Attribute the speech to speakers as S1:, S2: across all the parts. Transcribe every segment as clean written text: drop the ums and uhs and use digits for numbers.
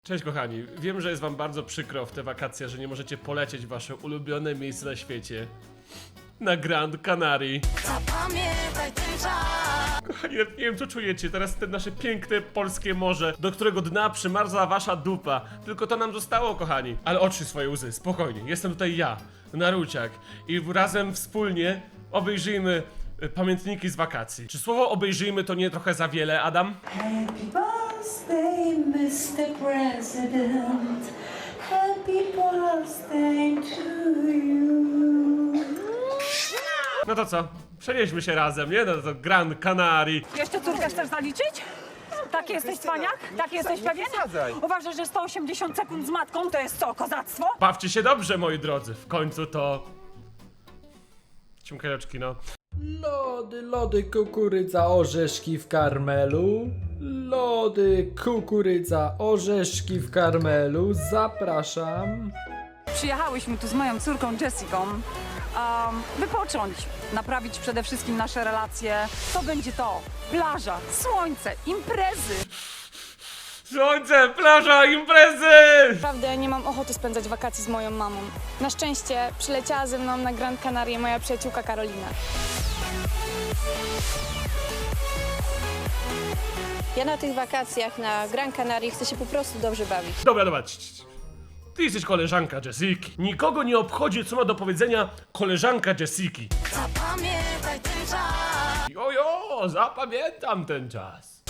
S1: Cześć kochani, wiem, że jest wam bardzo przykro w te wakacje, że nie możecie polecieć w wasze ulubione miejsce na świecie. Na Grand Canaria.
S2: Zapamiętaj ten czas.
S1: Kochani, nawet nie wiem co czujecie, teraz te nasze piękne polskie morze, do którego dna przymarza wasza dupa. Tylko to nam zostało, kochani. Ale otrzyj swoje łzy, spokojnie, jestem tutaj ja, Naruciak. I razem wspólnie obejrzyjmy pamiętniki z wakacji. Czy słowo obejrzyjmy to nie trochę za wiele, Adam?
S2: Happy birthday, Mr. President. Happy birthday to you.
S1: No to co? Przenieśmy się razem, nie? No to Grand Canaria.
S3: Jeszcze córkę chcesz zaliczyć? Taki jesteś cwaniak? Taki jesteś pewien? Uważasz, że 180 sekund z matką to jest co, kozactwo?
S1: Bawcie się dobrze, moi drodzy. W końcu to... Ciumkajeczki, no.
S4: Lody, lody, kukurydza, orzeszki w karmelu. Lody, kukurydza, orzeszki w karmelu. Zapraszam.
S3: Przyjechałyśmy tu z moją córką Jessiką, wypocząć, naprawić przede wszystkim nasze relacje. To będzie to, plaża, słońce, imprezy.
S1: Słońce, plaża, imprezy!
S5: Naprawdę nie mam ochoty spędzać wakacji z moją mamą. Na szczęście przyleciała ze mną na Grand Canaria moja przyjaciółka Karolina.
S6: Ja na tych wakacjach na Gran Canaria chcę się po prostu dobrze bawić.
S1: Dobra, dobra. Ty jesteś koleżanka Jessiki. Nikogo nie obchodzi, co ma do powiedzenia koleżanka Jessiki.
S2: Zapamiętaj ten czas.
S1: Jojo, zapamiętam ten czas.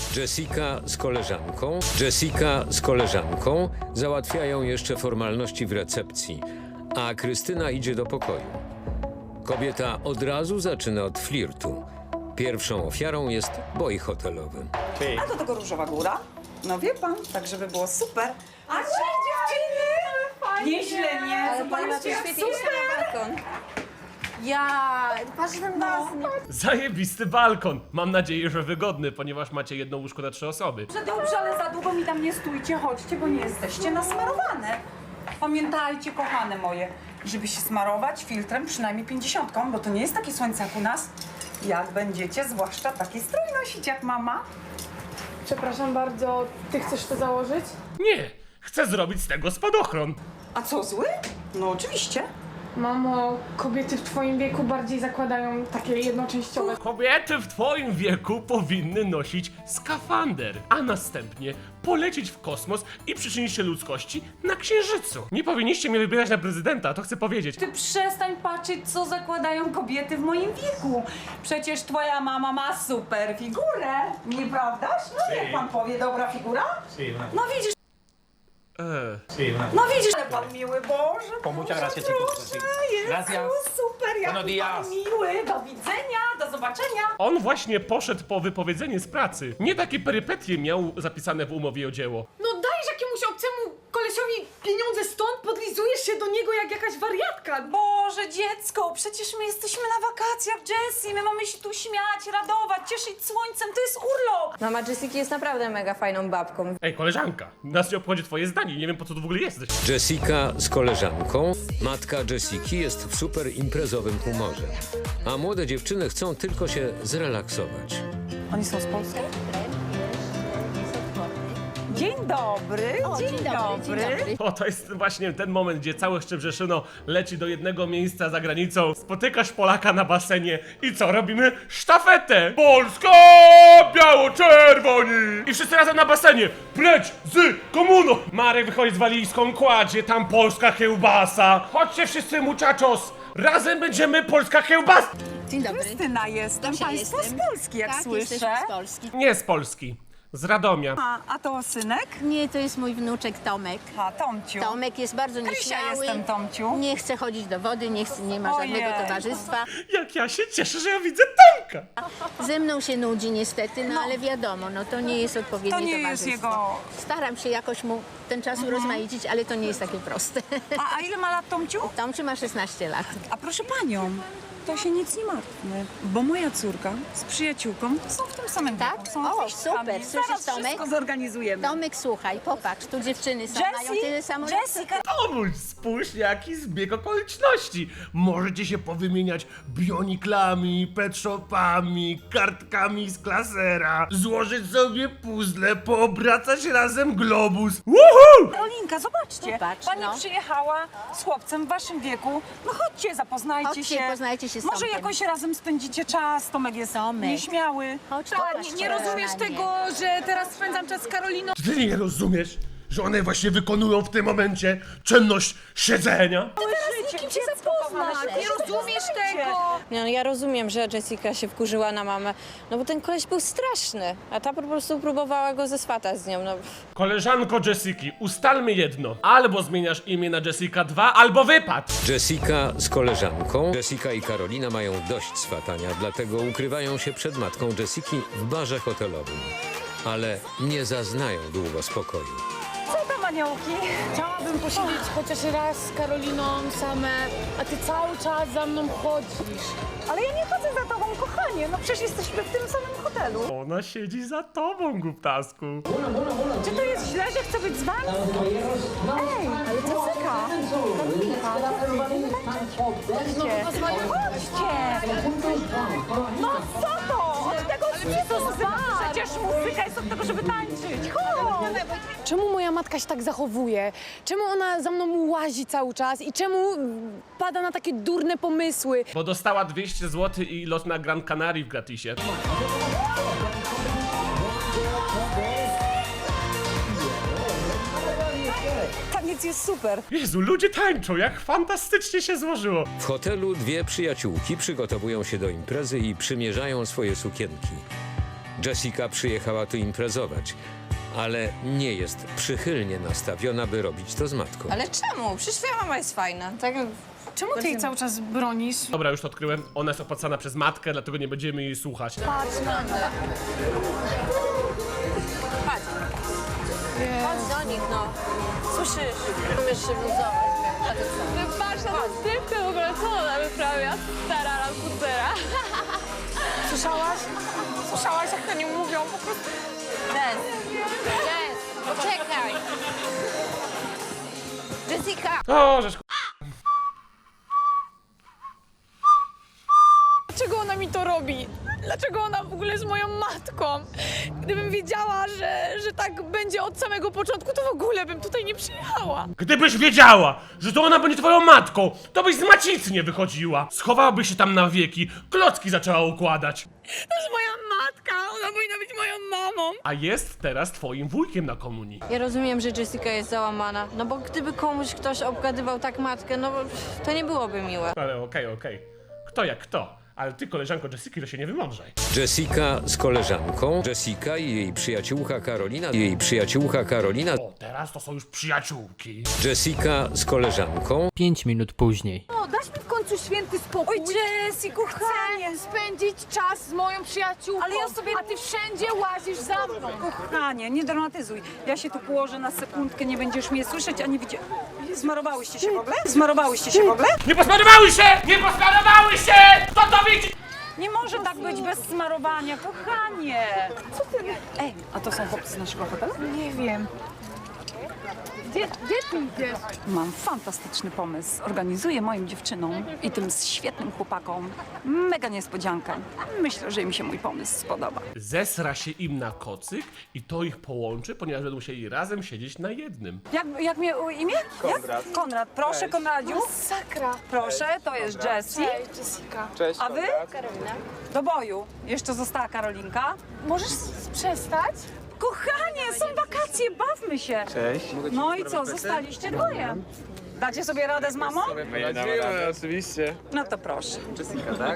S7: Jessica z koleżanką załatwiają jeszcze formalności w recepcji, a Krystyna idzie do pokoju. Kobieta od razu zaczyna od flirtu. Pierwszą ofiarą jest boj hotelowy.
S3: A do tego Różowa Góra? No wie pan, tak żeby było super. A cześć dziewczyny! Nieźle, nie?
S6: Ale pani ma to
S3: Zobaczcie,
S6: świetnie iść na balkon. Ja, patrz na nas.
S1: Zajebisty balkon. Mam nadzieję, że wygodny, ponieważ macie jedno łóżko na 3 osoby.
S3: Dobrze, ale za długo mi tam nie stójcie, chodźcie, bo nie jesteście nasmarowane. Pamiętajcie, kochane moje, żeby się smarować filtrem przynajmniej 50, bo to nie jest takie słońce jak u nas. Jak będziecie, zwłaszcza taki strój nosić jak mama.
S5: Przepraszam bardzo, ty chcesz to założyć?
S1: Nie, chcę zrobić z tego spadochron.
S3: A co, zły? No oczywiście.
S5: Mamo, kobiety w twoim wieku bardziej zakładają takie jednoczęściowe.
S1: Kobiety w twoim wieku powinny nosić skafander, a następnie polecieć w kosmos i przyczynić się ludzkości na Księżycu. Nie powinniście mnie wybierać na prezydenta, to chcę powiedzieć.
S3: Ty przestań patrzeć, co zakładają kobiety w moim wieku. Przecież twoja mama ma super figurę, nieprawdaż? No jak pan powie, dobra figura? No widzisz, no widzisz, ale pan miły, Boże,
S8: Muchas gracias,
S3: proszę,
S8: chicos.
S3: Jezu,
S8: Gracias.
S3: super, jak
S8: Buenos
S3: pan
S8: días.
S3: miły, do widzenia, do zobaczenia.
S1: On właśnie poszedł po wypowiedzenie z pracy. Nie takie perypetie miał zapisane w umowie o dzieło.
S9: No dajesz jakiemuś obcemu kolesiowi pieniądze stąd, podlizujesz się do niego jak jakaś wariatka.
S3: Boże, dziecko, przecież my jesteśmy na wakacjach, Jessie, my mamy się tu śmiać, radować, cieszyć słońcem, to jest urlop.
S6: Mama Jessiki jest naprawdę mega fajną babką.
S1: Ej, koleżanka, nas nie obchodzi twoje zdanie, nie wiem po co tu w ogóle jesteś.
S7: Jessica z koleżanką. Matka Jessiki jest w super imprezowym humorze, a młode dziewczyny chcą tylko się zrelaksować.
S3: Oni są z Polski? Dzień dobry, dzień dobry.
S1: O, to jest właśnie ten moment, gdzie całe Szczebrzeszyno leci do jednego miejsca za granicą. Spotykasz Polaka na basenie i co? Robimy sztafetę! Polska! Biało-czerwoni! I wszyscy razem na basenie! Pleć z komuną! Marek wychodzi z walizką, kładzie tam polska kiełbasa. Chodźcie wszyscy, muchachos! Razem będziemy polska kiełbasa!
S6: Dzień dobry.
S3: Krystyna jestem, państwo z Polski, jak
S6: Tak,
S3: słyszę.
S6: jesteśmy z Polski.
S1: Nie z Polski, z Radomia.
S3: A to synek?
S6: Nie, to jest mój wnuczek Tomek.
S3: A, Tomciu.
S6: Tomek jest bardzo
S3: Krysia
S6: nieśmiały.
S3: jestem, Tomciu.
S6: Nie chce chodzić do wody, nie ma żadnego
S3: Ojej.
S6: towarzystwa.
S1: Jak ja się cieszę, że ja widzę Tomka!
S6: Ze mną się nudzi niestety, no ale wiadomo, no to nie jest odpowiednie
S3: To nie jest
S6: towarzystwo.
S3: jego-
S6: Staram się jakoś mu ten czas urozmaicić, ale to nie jest takie proste.
S3: A ile ma lat Tomciu?
S6: Tomczy ma 16 lat.
S3: A proszę panią, To się nic nie martwmy, bo moja córka z przyjaciółką są w tym samym
S6: Tak?
S3: wieku. Są
S6: O,
S3: artystkami.
S6: super. Słyszysz,
S3: Zaraz
S6: Tomek?
S3: wszystko zorganizujemy.
S6: Tomek, słuchaj, popatrz, tu dziewczyny są, mają tyle samo lat.
S3: Jessica,
S1: Tomuś, spójrz jaki zbieg okoliczności. Możecie się powymieniać bioniklami, pet shopami, kartkami z klasera, złożyć sobie puzzle, poobracać razem globus. Woohoo!
S3: Karolinka, zobaczcie.
S6: Popatrz,
S3: Pani
S6: no.
S3: przyjechała z chłopcem w waszym wieku. No chodźcie, zapoznajcie
S6: Chodźcie,
S3: się.
S6: poznajcie się z
S3: Może
S6: Tomkiem.
S3: jakoś razem spędzicie czas. Tomek jest
S6: Tomek.
S3: nieśmiały.
S6: Chodź,
S9: Tak,
S6: popatrz
S9: nie rozumiesz
S6: na mnie.
S9: tego, że teraz spędzam czas z Karoliną?
S1: Czy ty nie rozumiesz, że one właśnie wykonują w tym momencie czynność siedzenia?
S3: Życie,
S9: Kim się
S3: dziecko kochane,
S9: zapoznać?
S3: się
S9: Nie rozumiesz
S3: poznajcie.
S9: tego!
S8: No, ja rozumiem, że Jessica się wkurzyła na mamę, no bo ten koleś był straszny, a ta po prostu próbowała go zeswatać z nią, no.
S1: Koleżanko Jessiki, ustalmy jedno. Albo zmieniasz imię na Jessica 2, albo wypad.
S7: Jessica z koleżanką. Jessica i Karolina mają dość swatania, dlatego ukrywają się przed matką Jessiki w barze hotelowym. Ale nie zaznają długo spokoju.
S3: Co tam, aniołki?
S9: Chciałabym posiedzieć chociaż raz z Karoliną same, a ty cały czas za mną chodzisz.
S3: Ale ja nie chodzę za tobą, kochanie. No przecież jesteśmy w tym samym hotelu.
S1: Ona siedzi za tobą, głuptasku.
S3: Czy to jest źle, że chcę być z wami? Ej, ale Jessica.
S9: No pozwolę.
S3: Chodźcie! No co to? Od tego nie to przecież muzyka jest od tego, żeby tańczyć. Chodź!
S9: Czemu moja matka się tak zachowuje? Czemu ona za mną łazi cały czas i czemu pada na takie durne pomysły?
S1: Bo dostała 200 zł i lot na Gran Canaria w gratisie.
S3: Taniec jest super.
S1: Jezu, ludzie tańczą, jak fantastycznie się złożyło.
S7: W hotelu dwie przyjaciółki przygotowują się do imprezy i przymierzają swoje sukienki. Jessica przyjechała tu imprezować, ale nie jest przychylnie nastawiona, by robić to z matką.
S8: Ale czemu? Przecież twoja mama jest fajna, tak?
S9: Czemu ty jej cały czas bronisz?
S1: Dobra, już to odkryłem. Ona jest opłacana przez matkę, dlatego nie będziemy jej słuchać.
S8: Chodź do nich, no. Słyszysz? Umiesz się wyluzować. A ty co?
S5: Patrz na tę stywkę w ogóle, co ona wyprawia? Stara lamputera.
S9: Słyszałaś? Słyszałaś, jak to nie mówią? Po prostu...
S8: Jess, poczekaj. Jessica!
S1: O, żeż
S9: Dlaczego ona mi to robi? Dlaczego ona w ogóle jest moją matką? Gdybym wiedziała, że tak będzie od samego początku, to w ogóle bym tutaj nie przyjechała.
S1: Gdybyś wiedziała, że to ona będzie twoją matką, to byś z macicy nie wychodziła. Schowałabyś się tam na wieki, klocki zaczęła układać.
S9: To jest moja matka, ona powinna być moją mamą.
S1: A jest teraz twoim wujkiem na komunii.
S8: Ja rozumiem, że Jessica jest załamana, no bo gdyby komuś ktoś obgadywał tak matkę, no to nie byłoby miłe.
S1: Ale okej. Kto jak kto. Ale ty, koleżanko Jessiki, to się nie wymądrzaj.
S7: Jessica z koleżanką. Jessica i jej przyjaciółka Karolina.
S1: O, teraz to są już przyjaciółki.
S7: Jessica z koleżanką.
S4: 5 minut później.
S9: O, dasz mi w końcu święty spokój.
S3: Oj, Jessie, kochanie.
S9: Chcę spędzić czas z moją przyjaciółką,
S3: Ale ja sobie-
S9: a ty wszędzie łazisz za mną.
S3: Kochanie, nie dramatyzuj. Ja się tu położę na sekundkę, nie będziesz mnie słyszeć, ani widzieć. Zmarowałyście się w ogóle? Zmarowałyście się w ogóle?
S1: Nie posmarowały się! Nie posmarowały się! Kto to widzi?
S3: Nie może tak być bez smarowania, kochanie. Co ty? Ej, a to są chłopcy z naszego hotelu?
S9: Nie wiem. Gdzie ty idziesz?
S3: Mam fantastyczny pomysł. Organizuję moim dziewczynom i tym świetnym chłopakom mega niespodziankę. Myślę, że im się mój pomysł spodoba.
S1: Zesra się im na kocyk i to ich połączy, ponieważ będą musieli razem siedzieć na jednym.
S3: Jak mnie imię? Konrad. Jak? Konrad. Proszę, Konradziu.
S9: Sakra.
S3: Proszę, to jest Jessie.
S9: Cześć, Jessica.
S3: A wy? Karolina. Do boju. Jeszcze została Karolinka.
S9: Możesz przestać?
S3: Kochanie, są wakacje, bawmy się. Cześć. No i co, zostaliście dwoje. Dacie sobie radę z mamą?
S10: Oczywiście.
S3: No to proszę.
S10: Jessica, tak?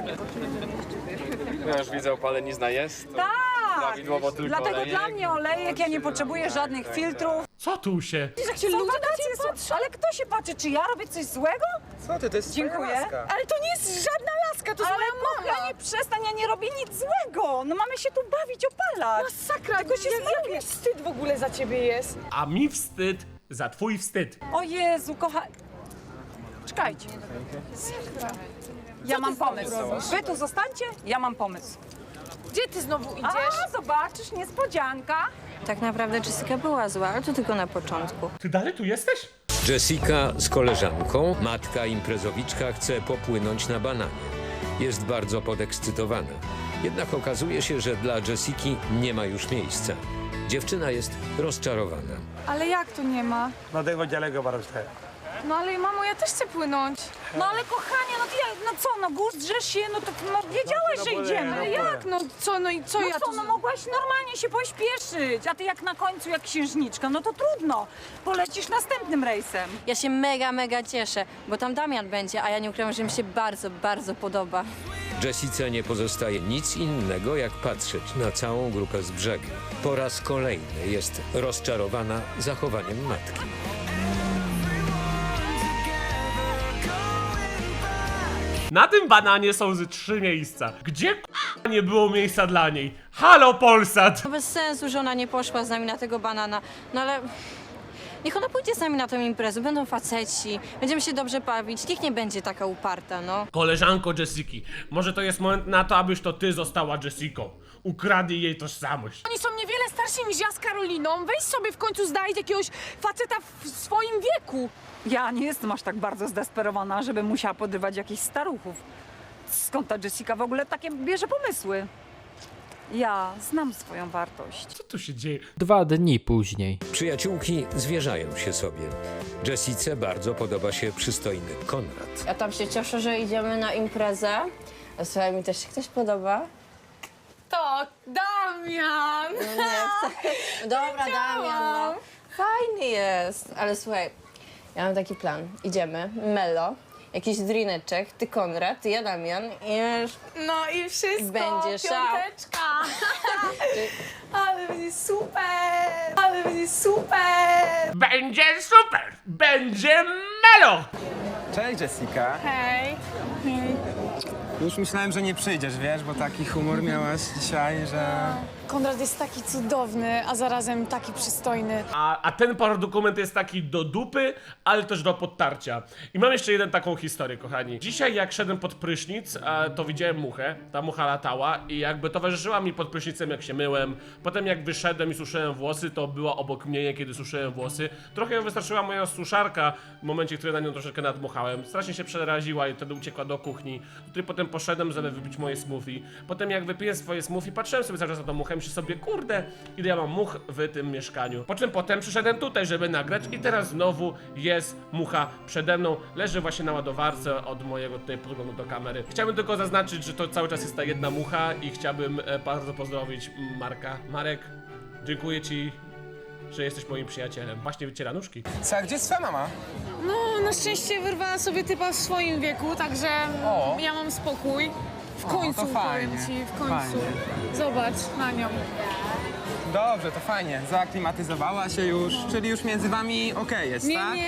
S10: Ja już widzę, opalenizna jest. To
S3: Tak!
S10: prawidłowo tylko
S3: Dlatego
S10: olejek.
S3: dla mnie olejek, ja nie potrzebuję żadnych filtrów.
S1: Co tu się?
S3: Jak się ludzie patrzą, ale kto się patrzy, czy ja robię coś złego?
S10: Co ty, to jest
S3: Dziękuję.
S10: twoja laska.
S9: Ale to nie jest żadna laska, to jest
S3: Ale
S9: moja mama.
S3: kochanie, przestań, ja nie robię nic złego. No mamy się tu bawić, opalać.
S9: Masakra,
S3: Tylko się
S9: jak mi wstyd w ogóle za ciebie jest.
S1: A mi wstyd za twój wstyd.
S3: O Jezu, kochanie. Czekajcie. Ja mam pomysł. Wy tu zostańcie, ja mam pomysł.
S9: Gdzie ty znowu idziesz?
S3: A, zobaczysz, niespodzianka.
S8: Tak naprawdę Jessica była zła, ale to tylko na początku.
S1: Ty dalej tu jesteś?
S7: Jessica z koleżanką, matka imprezowiczka, chce popłynąć na bananie. Jest bardzo podekscytowana. Jednak okazuje się, że dla Jessiki nie ma już miejsca. Dziewczyna jest rozczarowana.
S5: Ale jak to nie ma?
S10: No tengo chaleco para usted.
S5: No ale mamo, ja też chcę płynąć.
S3: No ale kochanie, no co, no gust, drzesz się, no to wiedziałeś, że idziemy.
S5: Ale jak? No co, no i co
S3: No
S5: ja
S3: co,
S5: tu...
S3: no mogłaś normalnie się pośpieszyć, a ty jak na końcu, jak księżniczka, no to trudno. Polecisz następnym rejsem.
S8: Ja się mega cieszę, bo tam Damian będzie, a ja nie ukrywam, że mi się bardzo podoba.
S7: Jessice nie pozostaje nic innego, jak patrzeć na całą grupę z brzegu. Po raz kolejny jest rozczarowana zachowaniem matki.
S1: Na tym bananie są ze 3 miejsca. Gdzie nie było miejsca dla niej? Halo Polsat!
S8: To bez sensu, że ona nie poszła z nami na tego banana, no ale... Niech ona pójdzie z nami na tę imprezę, będą faceci, będziemy się dobrze bawić, niech nie będzie taka uparta, no.
S1: Koleżanko Jessiki, może to jest moment na to, abyś to ty została Jessiką. Ukradnij jej tożsamość.
S9: Oni są niewiele starsi niż ja z Karoliną. Weź sobie w końcu znajdź jakiegoś faceta w swoim wieku.
S3: Ja nie jestem aż tak bardzo zdesperowana, żeby musiała podrywać jakichś staruchów. Skąd ta Jessica w ogóle takie bierze pomysły? Ja znam swoją wartość.
S1: Co tu się dzieje?
S4: 2 dni później.
S7: Przyjaciółki zwierzają się sobie. Jessice bardzo podoba się przystojny Konrad.
S8: Ja tam się cieszę, że idziemy na imprezę. A słuchaj, mi też się ktoś podoba.
S9: To Damian!
S8: Dobra, Damian, no. Fajny jest. Ale słuchaj, ja mam taki plan. Idziemy, Melo, jakiś drineczek, ty Konrad, ty ja Damian i już...
S9: No i wszystko,
S8: Będzie szał.
S9: piąteczka. Ale będzie super! Ale będzie super!
S1: Będzie super! Będzie melo!
S10: Cześć Jessica.
S9: Hej.
S10: Już myślałem, że nie przyjdziesz, wiesz, bo taki humor miałaś dzisiaj, że...
S5: Konrad jest taki cudowny, a zarazem taki przystojny.
S1: A ten paradokument jest taki do dupy, ale też do podtarcia. I mam jeszcze jeden taką historię, kochani. Dzisiaj jak szedłem pod prysznic, to widziałem muchę. Ta mucha latała i jakby towarzyszyła mi pod prysznicem, jak się myłem. Potem jak wyszedłem i suszyłem włosy, to była obok mnie, kiedy suszyłem włosy. Trochę ją wystarczyła moja suszarka w momencie, kiedy na nią troszeczkę nadmuchałem. Strasznie się przeraziła i wtedy uciekła do kuchni. Tutaj potem poszedłem, żeby wypić moje smoothie. Potem jak wypiję swoje smoothie, patrzyłem sobie cały czas na tą muchę, myślę sobie, kurde, ile ja mam much w tym mieszkaniu. Po czym potem przyszedłem tutaj, żeby nagrać i teraz znowu jest mucha przede mną. Leży właśnie na ładowarce od mojego tutaj podglądu do kamery. Chciałbym tylko zaznaczyć, że to cały czas jest ta jedna mucha i chciałbym bardzo pozdrowić Marka. Marek, dziękuję ci, że jesteś moim przyjacielem. Właśnie wyciera nóżki.
S10: Co, a gdzie jest twoja mama?
S9: No, na szczęście wyrwała sobie typa w swoim wieku, także
S10: O.
S9: ja mam spokój. W końcu,
S10: to fajnie,
S9: powiem ci, w końcu.
S10: fajnie.
S9: Zobacz na nią.
S10: Dobrze, to fajnie. Zaaklimatyzowała się już, czyli już między wami okej jest,
S9: Nie,
S10: tak?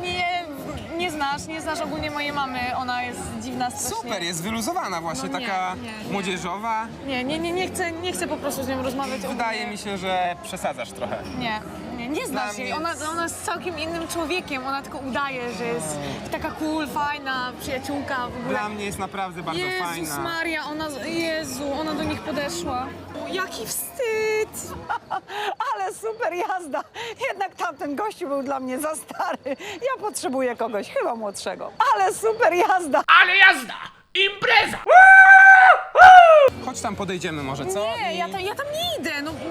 S9: nie znasz ogólnie mojej mamy, ona jest dziwna strasznie.
S10: Super, jest wyluzowana właśnie,
S9: No nie,
S10: taka
S9: nie.
S10: młodzieżowa.
S9: Nie chcę po prostu z nią rozmawiać.
S10: Wydaje mi się, że przesadzasz trochę.
S9: Nie znasz
S10: Dla
S9: jej.
S10: mnie
S9: Ona jest całkiem innym człowiekiem, ona tylko udaje, że jest taka cool, fajna, przyjaciółka w ogóle.
S10: Dla mnie jest naprawdę bardzo
S9: Jezus
S10: fajna.
S9: Maria, ona do nich podeszła. Jaki wstyd!
S3: Ale super jazda! Jednak tamten gościu był dla mnie za stary. Ja potrzebuję kogoś, chyba młodszego. Ale super jazda!
S1: Ale jazda! Impreza!
S10: Chodź tam podejdziemy może, co?
S9: Nie,
S10: I-
S9: ja tam nie idę, no.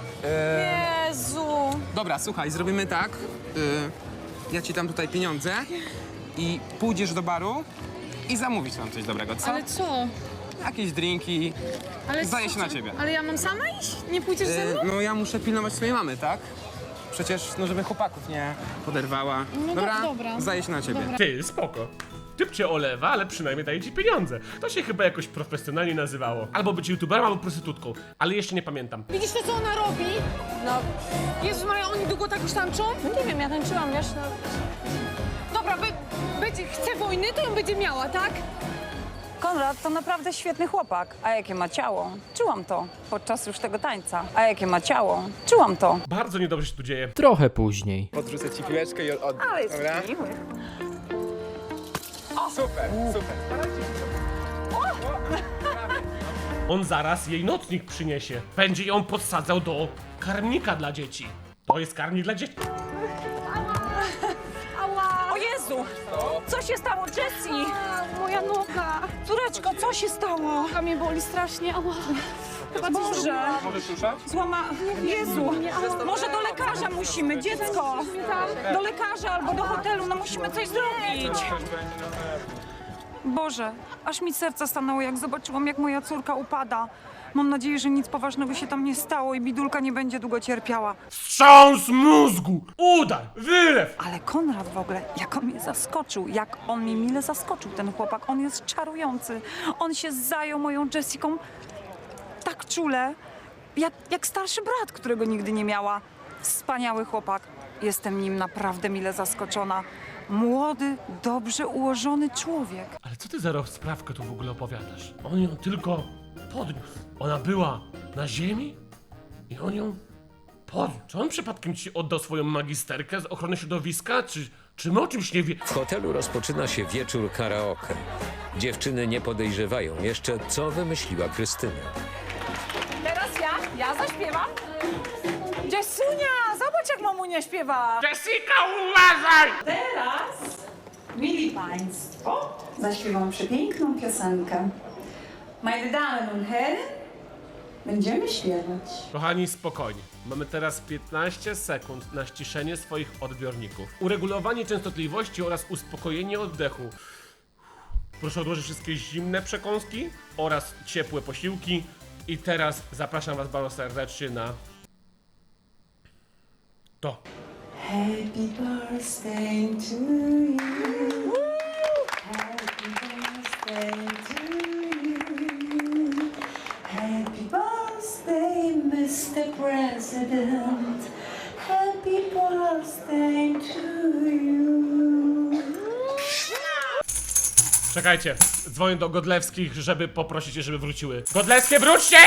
S9: Jezu.
S10: Dobra, słuchaj, zrobimy tak. Ja ci dam tutaj pieniądze i pójdziesz do baru i zamówisz nam coś dobrego, co?
S9: Ale co?
S10: Jakieś drinki.
S9: Ale
S10: Zdaje
S9: co
S10: się na
S9: ty-
S10: ciebie.
S9: Ale ja mam sama iść? Nie pójdziesz ze mną?
S10: No ja muszę pilnować swojej mamy, tak? Przecież, no żeby chłopaków nie poderwała.
S9: No dobra.
S10: Zdaje się na ciebie.
S9: Dobra.
S1: Ty, spoko. Typ cię olewa, ale przynajmniej daje ci pieniądze. To się chyba jakoś profesjonalnie nazywało. Albo być youtuberem, albo prostytutką. Ale jeszcze nie pamiętam.
S9: Widzisz to, co ona robi?
S8: No,
S9: Jezus Maria, oni długo tak już tańczą?
S8: no nie wiem, ja tańczyłam, wiesz, no...
S9: Dobra, chce wojny, to ją będzie miała, tak?
S3: Konrad to naprawdę świetny chłopak. A jakie ma ciało? Czułam to podczas już tego tańca. A jakie ma ciało? Czułam to.
S1: Bardzo niedobrze się tu dzieje.
S4: Trochę później.
S10: Podrzucę ci piłeczkę i
S3: Ale jest
S10: Dobra?
S3: miły.
S10: Super, super.
S1: On zaraz jej nocnik przyniesie. Będzie ją podsadzał do karmnika dla dzieci. To jest karmnik dla dzieci.
S3: O Jezu! Co się stało, Jessie?
S5: Moja noga.
S3: Córeczko, co się stało?
S5: Noga mnie boli strasznie. Ała. Chyba coś
S3: Boże!
S5: zrobiłam.
S10: Możesz ruszać?
S3: Jezu! Może do lekarza musimy, dziecko! Do lekarza albo do hotelu, no musimy coś zrobić! Boże, aż mi serce stanęło, jak zobaczyłam, jak moja córka upada. Mam nadzieję, że nic poważnego się tam nie stało i bidulka nie będzie długo cierpiała.
S1: Wstrząs mózgu! Udar! Wylew!
S3: Ale Konrad w ogóle, jak on mnie zaskoczył, jak on mnie mile zaskoczył, ten chłopak, on jest czarujący. On się zajął moją Jessiką tak czule, jak starszy brat, którego nigdy nie miała. Wspaniały chłopak. Jestem nim naprawdę mile zaskoczona. Młody, dobrze ułożony człowiek.
S1: Ale co ty za rozprawkę tu w ogóle opowiadasz? On ją tylko podniósł. Ona była na ziemi i on ją podniósł. Czy on przypadkiem ci oddał swoją magisterkę z ochrony środowiska? Czy my o czymś nie wie?
S7: W hotelu rozpoczyna się wieczór karaoke. Dziewczyny nie podejrzewają jeszcze, co wymyśliła Krystyna.
S3: Teraz ja zaśpiewam. Jessunia, zobacz jak mamunia śpiewa.
S1: Jessica, uważaj!
S2: Teraz, mili Państwo, zaśpiewam przepiękną piosenkę. Meine Damen und Herren, będziemy śpiewać.
S1: Kochani, spokojnie. Mamy teraz 15 sekund na ściszenie swoich odbiorników. Uregulowanie częstotliwości oraz uspokojenie oddechu. Proszę odłożyć wszystkie zimne przekąski oraz ciepłe posiłki. I teraz zapraszam was bardzo serdecznie na to.
S2: Happy birthday to you. Happy birthday to you. Happy birthday, Mr. President. Happy birthday to you.
S1: Czekajcie, dzwonię do Godlewskich, żeby poprosić je, żeby wróciły. Godlewskie, wróćcie!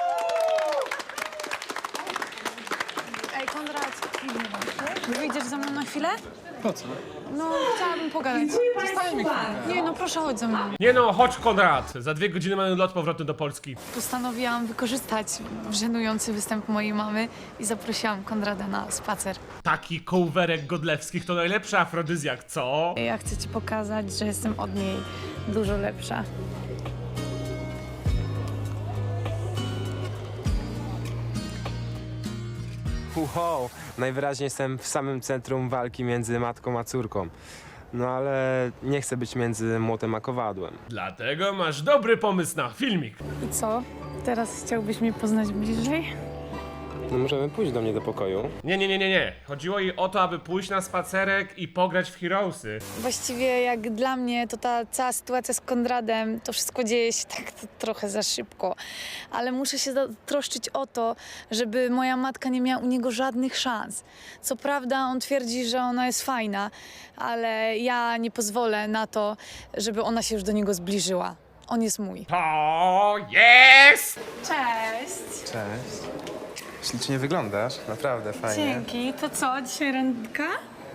S9: Ej, Konrad, wyjdziesz ze mną na chwilę?
S10: Po co?
S9: No, chciałabym pogadać.
S10: Zostań mi chwilkę.
S9: Nie, no proszę, chodź ze mną.
S1: Nie no, chodź Konrad. Za 2 godziny mamy lot powrotny do Polski.
S9: Postanowiłam wykorzystać żenujący występ mojej mamy i zaprosiłam Konrada na spacer.
S1: Taki kołwerek Godlewskich to najlepszy afrodyzjak, co?
S9: Ja chcę ci pokazać, że jestem od niej dużo lepsza.
S11: Wow, najwyraźniej jestem w samym centrum walki między matką a córką. No ale nie chcę być między młotem a kowadłem.
S1: Dlatego masz dobry pomysł na filmik.
S9: I co? Teraz chciałbyś mnie poznać bliżej?
S11: No możemy pójść do mnie do pokoju.
S1: Nie. Chodziło jej o to, aby pójść na spacerek i pograć w Heroesy.
S9: Właściwie jak dla mnie to ta cała sytuacja z Konradem, to wszystko dzieje się tak trochę za szybko. Ale muszę się troszczyć o to, żeby moja matka nie miała u niego żadnych szans. Co prawda on twierdzi, że ona jest fajna, ale ja nie pozwolę na to, żeby ona się już do niego zbliżyła. On jest mój.
S1: To jest!
S9: Cześć!
S11: Cześć. Ślicznie wyglądasz, naprawdę fajnie.
S9: Dzięki. To co, dzisiaj randka?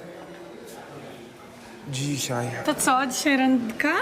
S11: Dzisiaj.
S9: To co, dzisiaj randka?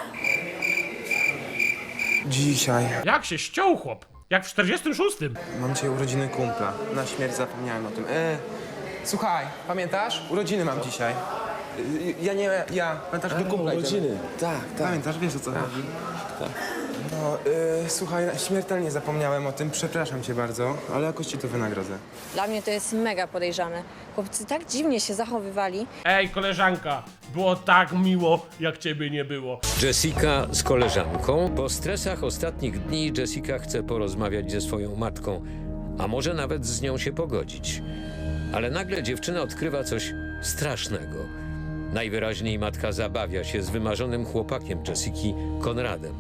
S11: Dzisiaj.
S1: Jak się ściął chłop? Jak w 46.
S11: Mam dzisiaj urodziny kumpla. Na śmierć zapomniałem o tym. Słuchaj, pamiętasz? Urodziny mam dzisiaj. Pamiętasz, do kumpla urodziny. Tak. Pamiętasz, wiesz o co chodzi? Tak. No, słuchaj, śmiertelnie zapomniałem o tym, przepraszam cię bardzo, ale jakoś ci to wynagrodzę.
S8: Dla mnie to jest mega podejrzane. Chłopcy tak dziwnie się zachowywali.
S1: Ej, koleżanka, było tak miło, jak ciebie nie było.
S7: Jessica z koleżanką. Po stresach ostatnich dni Jessica chce porozmawiać ze swoją matką, a może nawet z nią się pogodzić. Ale nagle dziewczyna odkrywa coś strasznego. Najwyraźniej matka zabawia się z wymarzonym chłopakiem Jessiki, Konradem.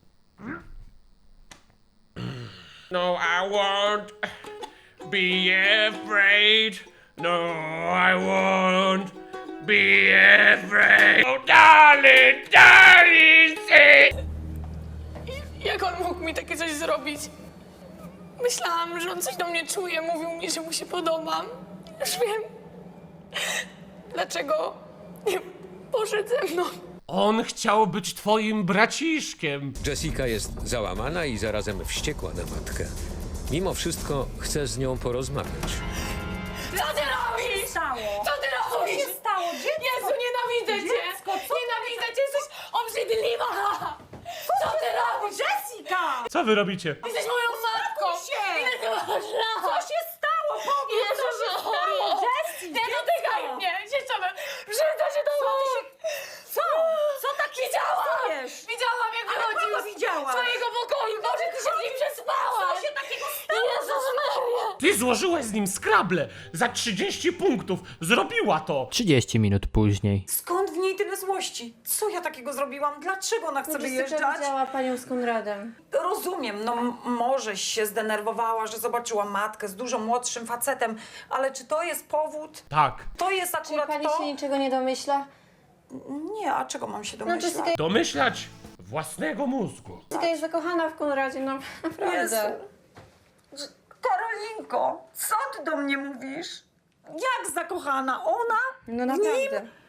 S1: No, I won't be afraid. No, I won't be afraid. Oh, darling, say.
S9: Jak on mógł mi takie coś zrobić? Myślałam, że on coś do mnie czuje, mówił mi, że mu się podobam. Już wiem, dlaczego nie poszedł ze mną.
S1: On chciał być twoim braciszkiem.
S7: Jessica jest załamana i zarazem wściekła na matkę. Mimo wszystko chce z nią porozmawiać.
S3: Co ty robisz? Co ty robisz? Co się stało? Dziecko?
S5: Jezu, nienawidzę cię!
S3: Dziecko, co
S5: Nienawidzę cię, jesteś obrzydliwa! Co ty robisz?
S3: Jessica!
S1: Co wy robicie?
S5: Jesteś moją matką!
S3: się!
S5: Ile ty masz lat?
S3: Co się stało? Powiedz,
S5: Jezu,
S3: co się stało? Jessie,
S5: Nie dotykaj mnie! Chciałabym, przyjdę się do
S3: Co? Co tak się
S5: Widziałam! Widziałam, jak
S3: Ale
S5: wychodził
S3: kogo widziałaś?
S5: z twojego pokoju! Boże, ty się z nim przespałaś!
S3: Co się takiego stało?
S5: Jezus Maria!
S1: Ty złożyłeś z nim Scrabble za 30 punktów. Zrobiła to.
S4: 30 minut później.
S3: Skąd w niej tyle złości? Co ja takiego zrobiłam? Dlaczego ona chce
S8: Jessica
S3: wyjeżdżać?
S8: widziała panią z Konradem.
S3: Rozumiem, no może się zdenerwowała, że zobaczyła matkę z dużo młodszym facetem, ale czy to jest powód?
S1: Tak.
S3: To jest
S8: Czyli
S3: akurat
S8: pani
S3: to?
S8: się niczego nie domyśla?
S3: Nie, a czego mam się
S8: No
S3: domyślać?
S8: Jessica,
S1: Domyślać własnego mózgu.
S8: Jessica jest zakochana w Konradzie, no naprawdę.
S3: Karolinko, co ty do mnie mówisz? Jak zakochana? Ona?
S8: No
S3: w
S8: naprawdę.
S3: nim?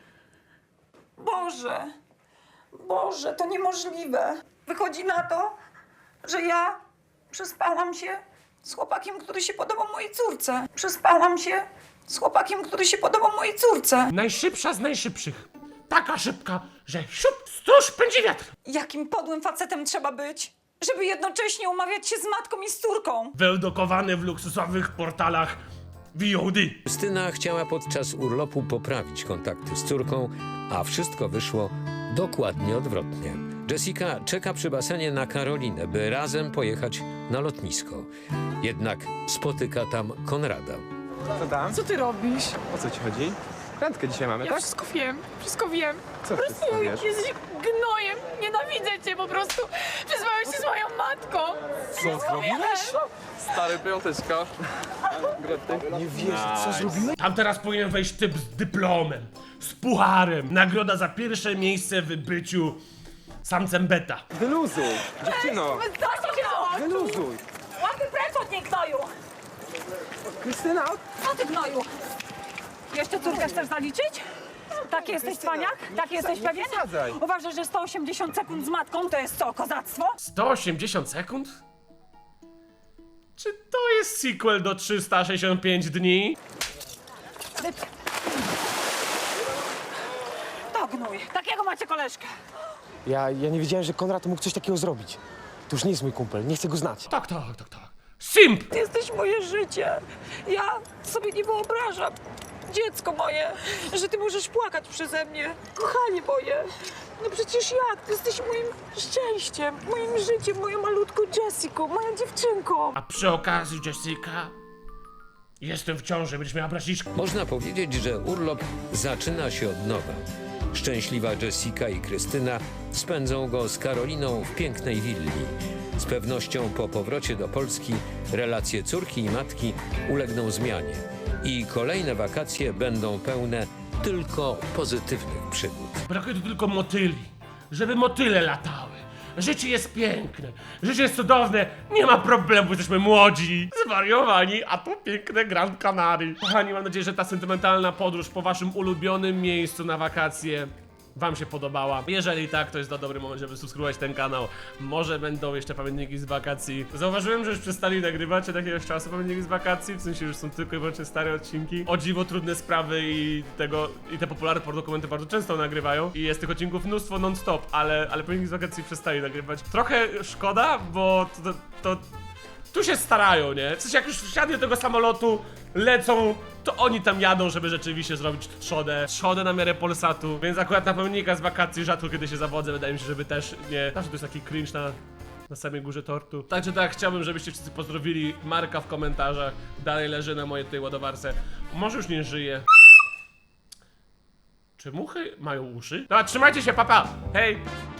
S3: Boże, to niemożliwe. Wychodzi na to, że ja przespałam się z chłopakiem, który się podobał mojej córce. Przespałam się z chłopakiem, który się podobał mojej córce.
S1: Najszybsza z najszybszych. Taka szybka, że siup, stróż pędzi wiatr.
S3: Jakim podłym facetem trzeba być, żeby jednocześnie umawiać się z matką i z córką?
S1: Wyeldokowany w luksusowych portalach VOD.
S7: Krystyna chciała podczas urlopu poprawić kontakty z córką, a wszystko wyszło dokładnie odwrotnie. Jessica czeka przy basenie na Karolinę, by razem pojechać na lotnisko. Jednak spotyka tam Konrada.
S11: Co tam?
S3: Co ty robisz?
S11: O co ci chodzi? Randkę dzisiaj mamy, tak?
S5: Wszystko wiem.
S11: Co wszystko wiesz?
S5: Jesteś gnojem, nienawidzę cię po prostu. Przysłałeś się z moją matką.
S11: Co zrobiłeś? Stary, piąteczka. Nie wierzę, co zrobiłeś?
S1: Tam teraz powinien wejść typ z dyplomem, z pucharem. Nagroda za pierwsze miejsce w byciu samcem beta.
S11: Wyluzuj! Dziewczyno!
S3: Co się działo?
S11: Wyluzuj!
S3: Łapy precz od niej, gnoju!
S11: Krystyna!
S3: Co ty, gnoju? Jeszcze córkę chcesz zaliczyć? Taki jesteś cwaniak? Taki jesteś pewien?
S11: przesadzaj.
S3: Uważasz, że 180 sekund z matką to jest co, kozactwo?
S1: 180 sekund? Czy to jest sequel do 365 dni?
S3: To gnój. Takiego macie koleżkę.
S12: Ja nie wiedziałem, że Konrad mógł coś takiego zrobić. To już nie jest mój kumpel, nie chcę go znać.
S1: Tak. Simp!
S3: Ty jesteś moje życie. Ja sobie nie wyobrażam, dziecko moje, że ty możesz płakać przeze mnie. Kochanie moje. No przecież jak? Ty jesteś moim szczęściem, moim życiem, moją malutką Jessiką, moją dziewczynką.
S1: A przy okazji, Jessica, jestem w ciąży, będziesz miała braciszka.
S7: Można powiedzieć, że urlop zaczyna się od nowa. Szczęśliwa Jessica i Krystyna spędzą go z Karoliną w pięknej willi. Z pewnością po powrocie do Polski relacje córki i matki ulegną zmianie i kolejne wakacje będą pełne tylko pozytywnych przygód.
S1: Brakuje tu tylko motyli, żeby motyle latały. Życie jest piękne, życie jest cudowne, nie ma problemu, jesteśmy młodzi, zwariowani, a tu piękne Gran Canaria. Kochani, mam nadzieję, że ta sentymentalna podróż po waszym ulubionym miejscu na wakacje wam się podobała. Jeżeli tak, to jest to dobry moment, żeby subskrybować ten kanał. Może będą jeszcze pamiętniki z wakacji. Zauważyłem, że już przestali nagrywać od jakiegoś czasu pamiętniki z wakacji, w sensie już są tylko i wyłącznie stare odcinki. O dziwo trudne sprawy i te popularne pornodokumenty bardzo często nagrywają. I jest tych odcinków mnóstwo non-stop, ale pamiętniki z wakacji przestali nagrywać. Trochę szkoda, bo to tu się starają, nie? W sensie jak już wsiadli do tego samolotu, lecą, to oni tam jadą, żeby rzeczywiście zrobić trzodę na miarę Polsatu. Więc akurat na pamiętnika z wakacji rzadko kiedy się zawodzę, wydaje mi się, żeby też nie... Zawsze to jest taki cringe na samej górze tortu. Także tak, chciałbym, żebyście wszyscy pozdrowili Marka w komentarzach. Dalej leży na mojej tej ładowarce. Może już nie żyje. Czy muchy mają uszy? Dobra, trzymajcie się, papa! Hej!